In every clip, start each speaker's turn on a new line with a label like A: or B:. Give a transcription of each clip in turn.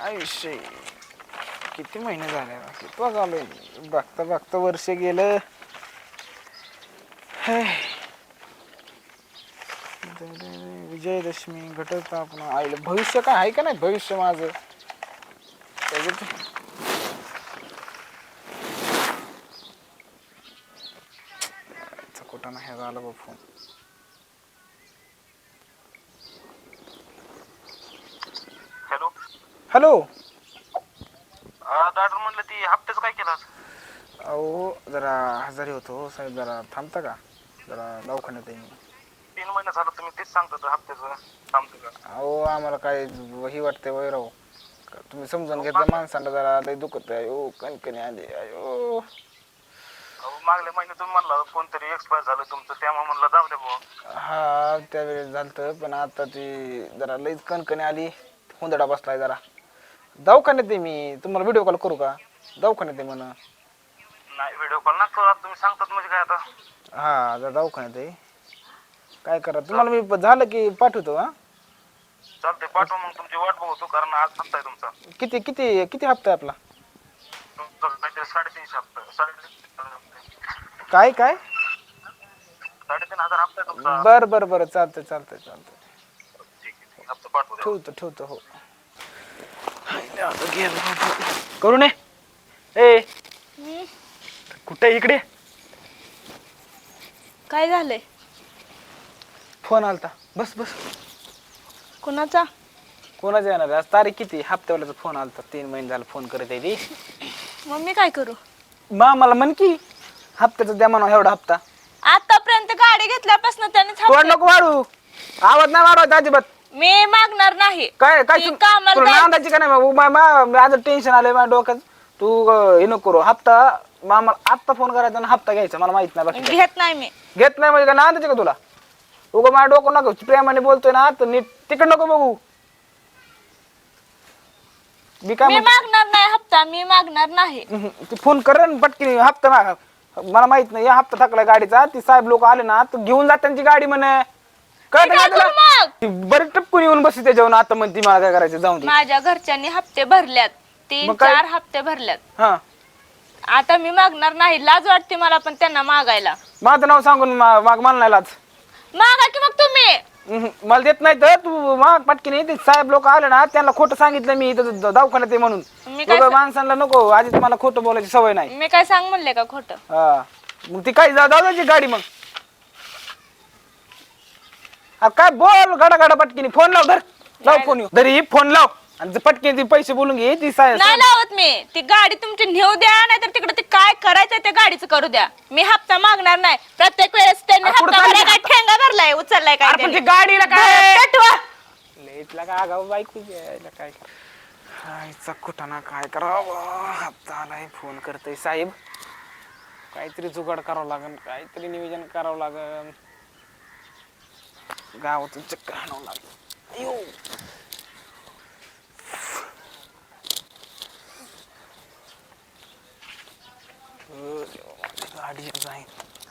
A: आयुष्य किती महिने झाले किती झाले बघता बघता वर्ष गेलं. विजयदशमी घटस्थापना आईला भविष्य काय आहे का नाही भविष्य माझं कुठं नाही झालं बघ फोन.
B: हॅलो
A: हॅलो
B: डॉक्टर म्हणलं ती हप्त्याचं काय केलं?
A: अहो जरा आजारी होतो साहेब जरा थांबता का जरा दवाखान्यात आहे मी.
B: 3 महिने झालं तुम्ही तेच सांगता हप्त्याचं थांबतो का?
A: अहो आम्हाला काय ही वाटते वैराव तुम्ही समजून घेतलं माणसाला जरा लय दुखत आहे. अयो कणकणी आली अयो.
B: मागल्या महिन्यात तुम्ही म्हणला कोणतरी एक्सपायर झालं तुमचं त्यामुळे म्हणलं जाऊ द्या बुवा.
A: हा त्यावेळेस झालं पण आता ती जरा लईच कणकणी आली हुंदडा बसलाय जरा दवाखान्यात आहे मी. तुम्हाला व्हिडिओ कॉल करू का? दवाखान्यात आहे म्हणा.
B: नाही व्हिडिओ कॉल ना करू तुम्ही सांगतात म्हणजे काय आता.
A: हा जरा दवाखान्यात आहे काय करा तुम्हाला मी झालं की पाठवतो. हा
B: चालतंय पाठवा मग तुमची वाट बघतो कारण आज हप्ता आहे तुमचा.
A: किती किती किती हप्ता आहे आपला?
B: तुमचा काहीतरी 3.5 हप्ता 3.5
A: काय काय
B: 3,500 हप्ता आहे तुमचा.
A: बर बर बर चालतंय चालतंय चालतंय
B: ठीक आहे हप्ता पाठवू द्या.
A: ठेवतो ठेवतो. हो करू नये ए कुठे इकडे
C: काय झालंय?
A: फोन आलता. बस बस.
C: कुणाचा?
A: कोणाचा येणार आज तारीख किती? हप्त्यावाल्याचा फोन आलता. 3 महिने झालं फोन करत आहे ती.
C: मग मी काय करू?
A: मला म्हण की हप्त्याचा द्या म्हणा एवढा हप्ता.
C: आतापर्यंत गाडी घेतल्यापासून त्याने
A: तोड नको वाढू आवाज नाही वाढवायचा अजिबात.
C: मी मागणार नाही.
A: काय काय
C: ती कामाला जायचं.
A: नांदायची का नाही आज टेन्शन आलंय माझ्या डोक्यात. तू हे नको करू हप्ता मला आत्ता फोन करायचा आणि हप्ता घ्यायचा मला माहित नाही बाकी
C: घेत नाही मी.
A: घेत नाही म्हणजे का नांदायची का तुला? उगं माझ्या डोकं नको प्रेमाने बोलतोय ना तर नीट तिकड नको बघू. मी काय
C: मागणार नाही हप्ता. मी मागणार नाही.
A: ती फोन कर पटकी हप्ता मागा. मला माहित नाही या हप्ता थकलाय गाडीचा. ती साहेब लोक आले ना तर घेऊन जात त्यांची गाडी म्हणे कळत का तुला? ती बरी टपकून येऊन बसली त्याच्यावर आता म्हणती मला काय करायचं जाऊन दे.
C: माझ्या घरच्यांनी हप्ते भरल्यात. 3-4 हप्ते भरल्यात.
A: हा
C: आता मी मागणार नाही. लाज वाटते मला पण त्यांना मागायला.
A: माझं नाव सांगून माग मला नाही लाज.
C: मागा की मग तुम्ही.
A: मला देत नाही तर तू माग पटकी नाही. ते साहेब लोक आले ना त्यांना खोटं सांगितलं मी इथं दवाखान्यात आहे म्हणून.
C: मी काय
A: माणसांना नको आधीच मला खोटं बोलायची सवय नाही.
C: मी काय सांग म्हणले का खोटं?
A: हा मग ती काय जाऊ द्यायची गाडी मग. काय बोल गडा गडा पटकीने फोन लाव. धर लाव फोन येऊ धरी फोन लाव आणि पटकीने ती पैसे बोलून घे. ती
C: नाही लावत मी. ती गाडी तुमची नेऊ द्या नाही तर तिकडे ते काय करायचंय त्या गाडीचं करू द्या. मी हप्ता मागणार नाही. प्रत्येक वेळेस त्यांनी
A: कुठं
C: हप्ता
A: चालली?
C: भरायला काय ठेंगा भरलाय उचललाय काय
A: पण
C: त्यांनी?
A: ती गाडीला काय
C: पेटवा.
A: लेटला का गाव बाईक काय आईचा कुठाना काय करावं. हप्ता आलाय फोन करतोय साहेब. काहीतरी जुगाड करावं लागेल काहीतरी नियोजन करावं लागेल. गावातून चक्कर आणावं लागेल. गाडी जाईन.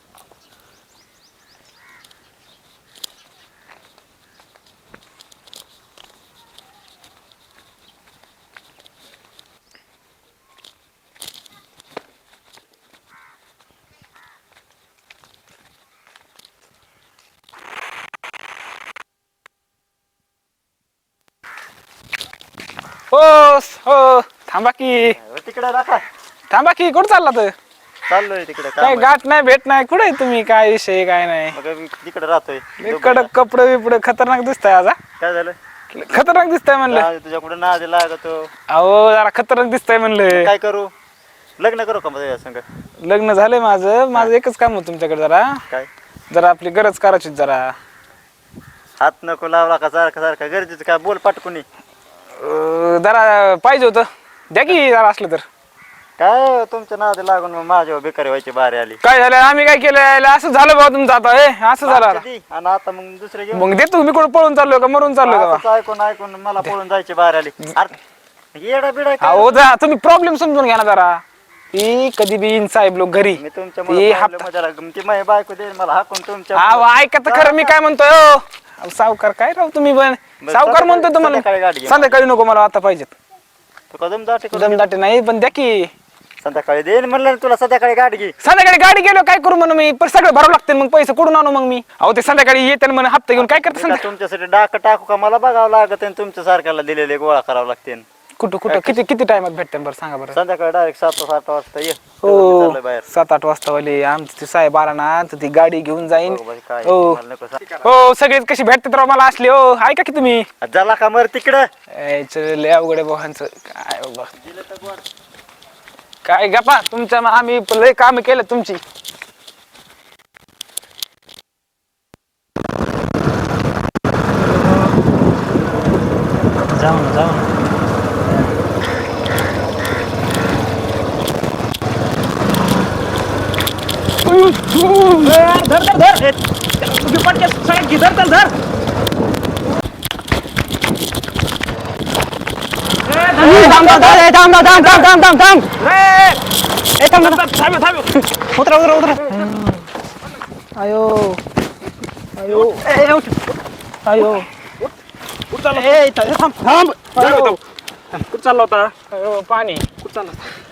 A: हो हो थांबा की
B: तिकडे राखा.
A: थांबा की कुठं चालला तर?
B: चाललोय तिकडे
A: काय गाठ नाही भेट नाही कुठे तुम्ही काय विषय काय नाही.
B: तिकडे राहतोय.
A: कडक कपडे बिपडे खतरनाक दिसताय आज.
B: काय झालं?
A: खतरनाक दिसताय म्हणलं.
B: तुझ्या कुठे नाद लागतो.
A: अहो जरा खतरनाक दिसताय म्हणलं.
B: काय करू? लग्न करू का माझ्या संग?
A: लग्न झालंय माझं एकच काम होतं तुमच्याकडे जरा
B: काय
A: जरा आपली गरज करायची जरा.
B: हात नको लावला का सारखा सारखा गरजेचं काय बोल पाटकुनी.
A: जरा पाहिजे होतं द्या की जरा असलं तर.
B: काय तुमच्या नाद लागून मग माझ्यावर बेकारी व्हायची बारी आली.
A: काय झालं आम्ही काय केलं असं झालं बाबा तुमचं आता असं झालं आता.
B: आणि आता मग दुसरे घेऊन
A: मग देतो मी कुठं पळून चाललोय का मरून चाललोय का?
B: असंच ऐकून ऐकून मला पळून जायची बारी आली. अरे येडा बिडा काय?
A: अहो जा तुम्ही प्रॉब्लेम समजून घ्या ना जरा. ती कधी बी इन साहेब लोक घरी
B: मी तुमच्या
A: ती हप्ता
B: ती माझी बायको देईल मला हाकून तुमच्या.
A: अहो ऐका तर खरं मी काय म्हणतोय. सावकार काय राव तुम्ही पण सावकार म्हणतोय तुम्हाला. संध्याकाळी नको मला आता पाहिजेत.
D: तू कदम दाटे
A: दमदाटे नाही पण द्या की
D: संध्याकाळी देईन म्हणलं ना तुला, संध्याकाळी गाडी घे.
A: संध्याकाळी गाडी गेलो काय करू म्हणून मी पण सगळं भरावं लागते मग पैसे कुठून आणू मग मी अहो ते संध्याकाळी येते म्हणून हप्ता घेऊन काय करते
D: मी का तुमच्यासाठी डाक टाकू का? मला बघावं लागत आणि तुमच्या सारख्याला दिलेले गोळा करावं लागते.
A: कुठं कुठं किती किती टायमात भेटते बरं सांगा बरं
D: संध्याकाळी डायरेक्ट 7-8 वाजता ये.
A: हो
D: चाललोय बाहेर.
A: 7-8 वाजता वाले आमचे ते साहेब आला ना तर ती गाडी घेऊन जाईन
D: बघ बाई, काय
A: हो
D: मला नको सांग.
A: हो सगळेच कशी भेटते तर मला असले हो ऐका की तुम्ही
D: झाला का मर तिकडं?
A: लय अवघड आहे भावांचं काय बाबा काय गप्पा तुमच्या आम्ही लय काम केलं तुमची
D: जाऊ ना जाऊ ना.
A: अयो अयो अयो
B: कुठं चालला होता?
A: अयो पाणी
B: कुठं चालला?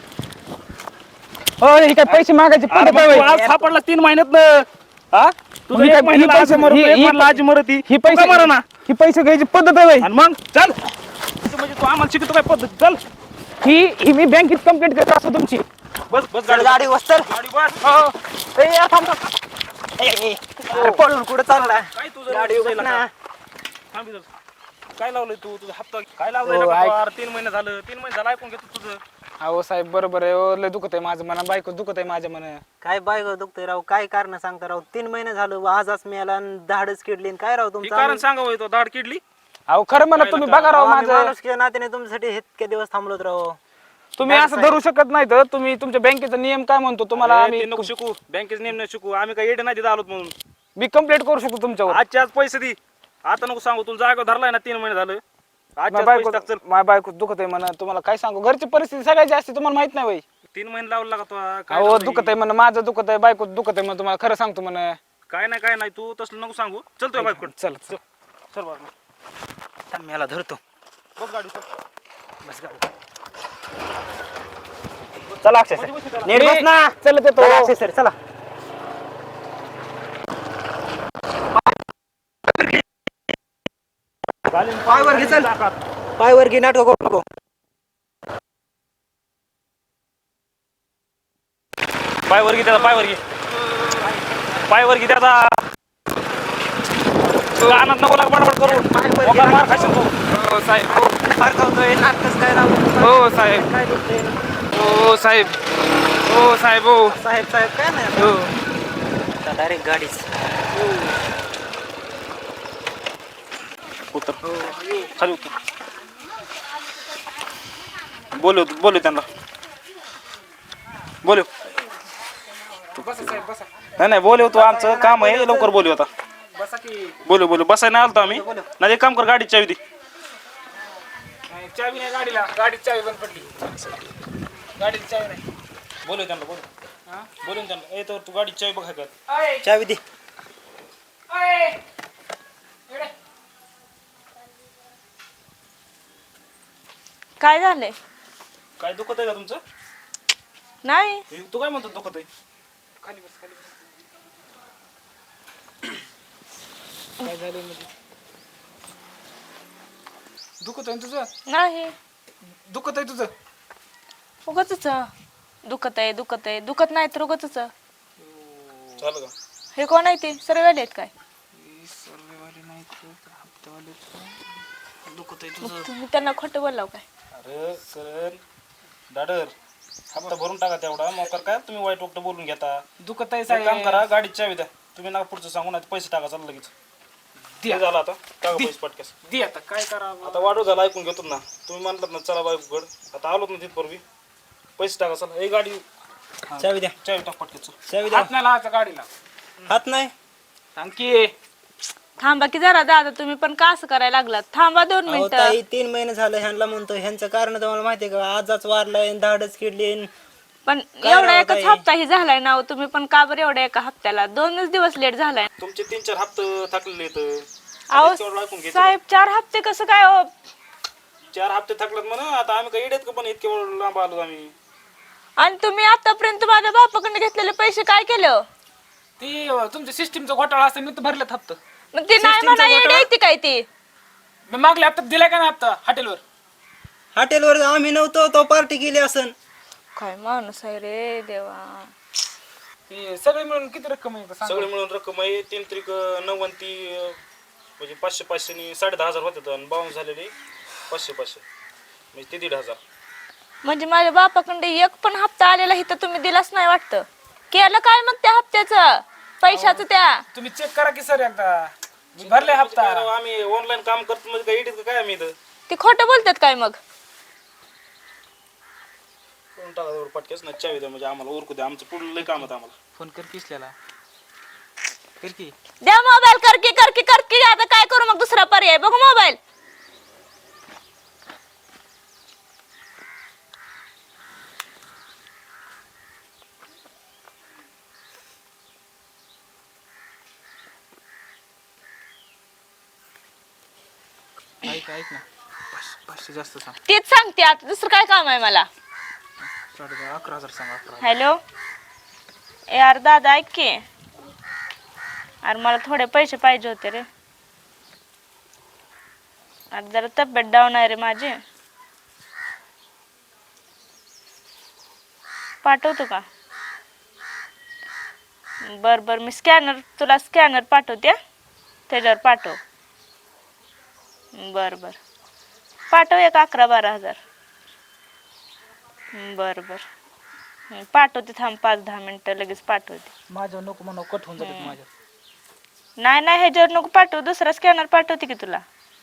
A: हो हे काय पैसे मागायचे पद्धत आहे
B: तू
A: होय?
B: आज सापडला 3 महिन्यात हा तुझं
A: ही
B: एक
A: काय-
B: महिन्याला
A: ही
B: आज
A: पैसे-
B: मरतो,
A: ही-
B: एक
A: ही-
B: महिन्याला आज मरती.
A: ही
B: तू
A: पैसे
B: का मरना?
A: ही पैसे घ्यायची पद्धत आहे होय?
B: आणि मग चल तू म्हणजे तू आम्हाला शिकतो काय पद्धत? चल
A: ही मी बँकेत कंप्लेंट करत असतो तुमची
B: बस बस
D: चल गाडी वस्तर.
B: गाडी बस.
D: पळून कुठं चालला?
B: काय तुझं
D: गाडी
B: तुझं
D: उघड ना.
B: इलाका? थांब इथं. काय लावलंय तू? तुझा हप्ता काय लावलंय
A: हो,
B: ना
A: ऐक.
B: बाबा? 3 महिने झालं, 3 महिने झालं ऐकून घेतो तुझं.
A: अहो साहेब बरोबर आहे हो लय दुखत आहे माझं मना बायको दुखत आहे माझ्या मना
D: काय बायको दुखतंय राव? काय कारण सांगता राव? 3 महिने झालं आजच मिळाला आणि धाडच किडली आणि काय राव
B: हे
D: तुमचं?
B: कारण सांगावं तो दाढ किडली.
A: अहो खरं म्हणा तुम्ही बघा राव माझं
D: माणूस किंवा नात्याने तुमच्यासाठी इतके दिवस थांबलोत राव.
A: तुम्ही असं धरू शकत नाही तर तुम्ही तुमच्या बँकेचा नियम काय म्हणतो तुम्हाला
B: अरे,
A: आम्ही
B: ते नको शिकू, बँकेचे नेम नाही शिकू. आम्ही काय येडे नाही तिथं आलोत म्हणून.
A: मी कंप्लेंट करू शकतो तुमच्यावर
B: आजच्या आज पैसे दे. आता नको सांगू, तुला जागा धरलाय ना 3 महिने झालं. आजच्या आज पैसे टाक चल.
A: माझ्या बायको दुखत आहे म्हणा तुम्हाला काय सांगू घरची परिस्थिती सगळ्यात जास्त तुम्हाला माहित नाही बाई
B: 3 महिने लावलं लागा तो. काय
A: अहो
B: लावलंय?
A: दुखत आहे म्हणा माझं दुखत आहे बायको दुखत आहे म्हणा तुम्हाला खरं सांगतो म्हणा
B: काय नाही तू तसलं नको सांगू. चल तुझ्या बायकोकडे.
A: चल चल
B: चल बाबा.
D: थांब, याला धरतो.
B: बस गाडी चल.
D: बस गाडी. चला अक्षय सर. नीट बस ना.
A: चल
D: चला अक्षय सर चला. पायवर घे चल. पायवर घे, नाटक करू नको.
B: पायवर घे त्याचा, पायवर घे. पायवर घे त्याचा. कानात नको लाग बडबड करू. मोकार मार खाशील तू.
A: हो साहेब
D: फरकावतोय नाटकच काय राव?
A: हो साहेब
D: काय दुखतंय?
A: हो साहेब हो साहेब हो
D: साहेब साहेब काय नाही
A: हो
D: डायरेक्ट गाडीच.
B: उतर. खाली उतर. बोलू त्यांना. बोलू.
A: बसा साहेब बसा
B: नाही बोलू तू, आमचं काम आहे, लवकर बोलू आता.
A: बसा की
B: बोलू बसाय नाही आलतो आम्ही. नाही एक काम कर, गाडी चावी दे.
A: नाही, चावी नाही गाडीला गाडीची चावी बंद पडली गाडीची चावी नाही
B: बोलू त्यांना. बोलू त्यांना. ए तर तू गाडी चावी बघाय का?
A: अय,
D: चावी दे.
A: अय, इकडे.
C: काय झालंय?
B: काय दुखत आहे का तुमचं?
C: नाही
B: तू काय म्हणतो दुखत आहे?
A: खाली बस खाली बस काय झालं म्हणजे दुखत आहे तुझं
C: नाही
A: दुखत आहे तुझं
C: उगच दुखत आहे दुखत नाही तर उगच
B: झालं का?
C: हे कोण आहे ते सर्व आहेत काय?
A: सर्वेवाले नाही हप्तेवाले
B: दुखत आहे तुझं.
C: तुम्ही त्यांना खोटं बोललाव काय?
B: अरे सर दाडर हप्ता भरून टाका तेवढा. मोकर काय तुम्ही वाईट वक्त बोलून घेता.
A: दुखत आहे
B: एक काम
A: साहेब
B: करा, गाडीची चावी द्या. तुम्ही ना पुढचं सांगू नाही पैसे टाका चाललं लगेच. ते झालं आता. टाका पैसे पटकेस.
A: दे आता काय करावं
B: आता वाढू झाला, ऐकून घेतो ना. तुम्ही म्हणलात ना चला बायकोकड, आता आलोत ना तिथपूर्वी. पैसे टाका चला. हे गाडी
D: चावी द्या.
B: चावी टाक पटकेच.
D: चावी द्या.
A: हात नाही लावायचा गाडीला
D: हात नाही.
A: आणखी
C: थांबा की जरा दादा तुम्ही पण का असं करायला लागलात? थांबा 2
D: अहो,
C: मिनिटं.
D: ताई 3 महिने झालं ह्यांना म्हणतो. ह्यांचं कारण तुम्हाला माहिती आहे का? आजच वारलाय, धाडच किडली.
C: पण
D: काय
C: एवढा
D: राव
C: एकच
D: ताई?
C: हप्ता ही झालाय ना हो. तुम्ही पण का बरं एवढ्या एका हप्त्याला 2च दिवस लेट झालाय?
B: तुमचे 3-4 हप्ते थकलेले आहेत.
C: अहो
B: तेवढं ऐकून घे.
C: साहेब 4 हप्ते कसं काय हो?
B: 4 हप्ते थकलात म्हणून आता आम्ही काही येडेत का पण इतके लांब आलो आम्ही.
C: आणि तुम्ही आतापर्यंत माझ्या बापाकडे घेतलेले पैसे काय केलं?
A: ती तुमच्या सिस्टीमचा घोटाळा असं मी तर भरलेत हप्ता.
C: मग ती नाही म्हणा येडी आहे ती काय ती?
A: मी मागल्या हप्त्यात दिलाय का नाही हप्ता हॉटेलवर?
D: हॉटेलवर आम्ही नव्हतो, तो पार्टी केली असन.
C: काय माणूस आहे रे देवा.
A: ती सगळे मिळून किती रक्कम आहे सांगा?
B: सगळे मिळून रक्कम आहे 3 त्रिक 9 ती म्हणजे 500 नी 10,500 होते आणि बाउन्स झालेले 500 म्हणजे ते 1,500.
C: म्हणजे माझ्या बापाकडे एक पण हप्ता आलेला इथं तुम्ही दिलाच नाही वाटतं. केलं काय मग त्या हप्त्याचं पैशाचं त्या?
A: तुम्ही चेक करा की सर एकदा. मी भरले हप्ता.
B: काय राव, आम्ही ऑनलाईन काम करतो म्हणजे काय येडेत का काय आम्ही इथं?
C: ती खोटं बोलतात काय मग?
B: कोण टाका पटकेच ना चावी द्या म्हणजे आम्हाला उरकू द्या, आमचं पुढलं लय काम आहे आम्हाला.
A: फोन कर किसल्याला. कर की.
C: द्या मोबाईल. करकी आता काय करू मग? दुसरा पर्याय बघू मोबाईल.
A: ऐक ना 500 जास्त सांग.
C: तेच सांगते आता, दुसरं काय काम आहे मला?
A: 11,000 सांग. 11,000.
C: हॅलो यार दादा ऐक की. अरे मला थोडे पैसे पाहिजे होते रे. अरे जरा तब्येत डाऊन आहे रे माझी. पाठवतो का? बर मी तुला स्कॅनर पाठवते. त्याच्यावर पाठव. बर पाठव एक 11-12 हजार. बर पाठवते, थांब 5-10 मिनिटं लगेच पाठवते.
A: माझ्या नको म्हणून कट होऊन जातात माझ्या.
C: नाही ह्याच्यावर नको पाठव, दुसरा स्कॅनर पाठवते की तुला.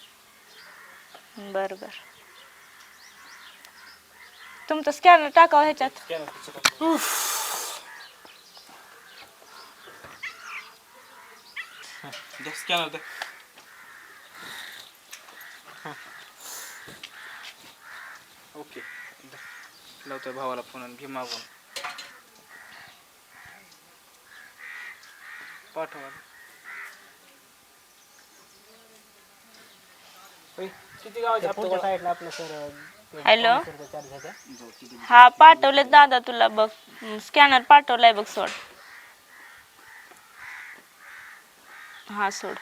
C: बर तुमचा स्कॅनर टाकावं ह्याच्यात.
B: स्कॅनर द्या.
A: ओके. लावतोय भावाला फोन आणि घे मागून. पाठवा. किती गावाचे हप्ते
D: पुढच्या साईडला आपलं सर.
C: हॅलो
D: चार्ज घ्या.
C: हा पाठवले दादा तुला बघ. स्कॅनर पाठवलाय बघ. सोड. हा सोड.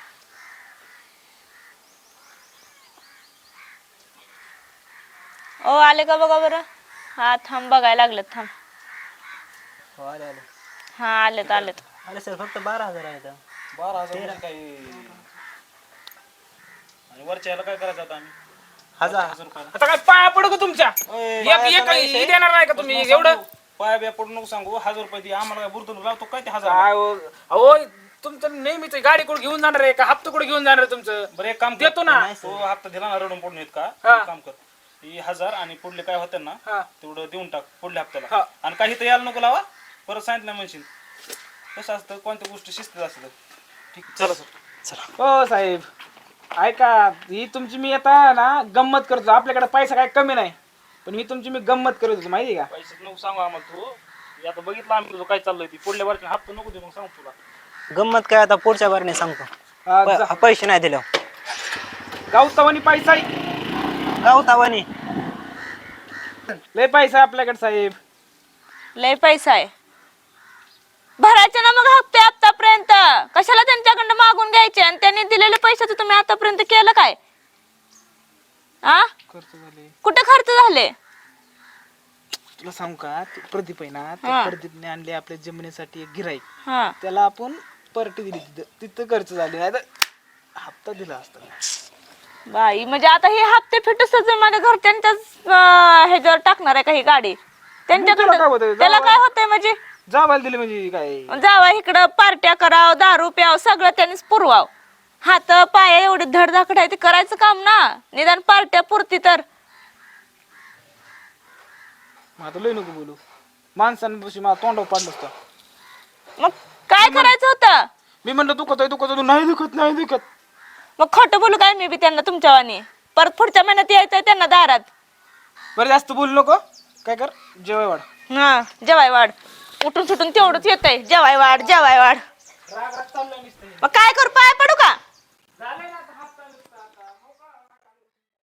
C: ओ आले का बघा बरं. हा थांब बघायला लागलं थांब.
D: हो आले.
C: हा आलेत.
D: अरे सर फक्त 12,000 आहेत.
B: 12,000 काही आणि वरच्या ह्याला काय करायचं आता आम्ही?
D: 1,000
B: रुपयाला
A: आता काय पाया पडू का तुमच्या?
B: बायाचं
A: एक
B: नाही
A: हे देणार नाही का तुम्ही
B: बस
A: एवढं?
B: सांगू, पाया बिया पडू नको सांगू. 1,000 रुपये दे आम्हाला. काय बुरतून लावतो काय ते 1,000?
A: काय हो? अहो तुमचं नेहमीच गाडी कुठे घेऊन जाणार आहे का हप्ता कुठे घेऊन जाणार आहे तुमचं?
B: बरं एक काम
A: देतो ना.
B: तो हप्ता दिला ना रडून पडून येत का?
A: हा.
B: एक काम कर, ही 1,000 आणि पुढले काय होते ना
A: हा.
B: तेवढं देऊन टाक पुढल्या
A: हा.
B: हप्त्याला. आणि काही तर यायला नको लावा. परत सांगितलं म्हणशील. कसं असतं कोणत्या गोष्टी शिस्तीत असतं. ठीक चला सर.
A: हो साहेब ऐका, ही तुमची मी आता ना गंमत करतो. आपल्याकडे पैसा काय कमी नाही, पण ही तुमची मी गंमत करत होतो माहिती का?
B: पैसे नको सांगू आम्हाला तू. हे आता बघितलं आम्ही तुझं काय चाललंय ती. पुढल्या वर्षी हप्ता नको दे मग सांग तुला.
D: गंमत काय आता पुढच्या बारने सांगतो. पैसे नाही दिले
A: गावतावानी पैसा
D: गावतावानी.
A: लय पैसा आहे आपल्याकडे साहेब.
C: लय पैसा आहे. भरायचे ना मग हप्ते आतापर्यंत. कशाला त्यांच्याकडनं मागून घ्यायचे? आणि त्यांनी दिलेले पैशाचं तुम्ही आतापर्यंत केलं काय? आ
A: खर्च झाले.
C: कुठे खर्च झाले?
A: तुला सांगू का, प्रदीप आहे ना,
C: हा.
A: त्या प्रदीपने आणले आपल्या जमिनीसाठी एक गिराईक.
C: हा
A: त्याला आपण पार्टी दिली तिथं खर्च झाले. नाही तर हप्ता दिला असता.
C: बाई, म्हणजे आता हे हप्ते फिटूस माझ्या घरच्यांच्याच ह्याच्यावर टाकणार आहे का ही गाडी?
A: त्याला काय
C: त्यांच्याकडे
A: होतंय?
C: त्याला काय होतंय? म्हणजे
A: जावायला दिली म्हणजे काय?
C: जावा इकडं पार्ट्या कराव, दारू प्याव, सगळं त्यांनीच पुरवाव. हात पाय एवढे धडधाकड आहे ते करायचं काम ना. निदान पार्ट्या पुरती तर.
A: मग आता लय नको बोलू. माणसांपाशी मला तोंडावर पाडलं असतं.
C: मग काय करायचं होतं?
A: मी म्हणलं दुखत आहे नाही दुखत.
C: मग खोटं बोलू काय मी बी त्यांना तुमच्यावानी? परत पुढच्या महिन्यात यायचंय त्यांना दारात.
A: बरं जास्त बोलू नको. काय कर, जेवाय वाढ.
C: हा जेवाय वाढ. उठून सुटून तेवढंच येतंय. जेवाय वाढ. मग काय करू? पाय पडू का?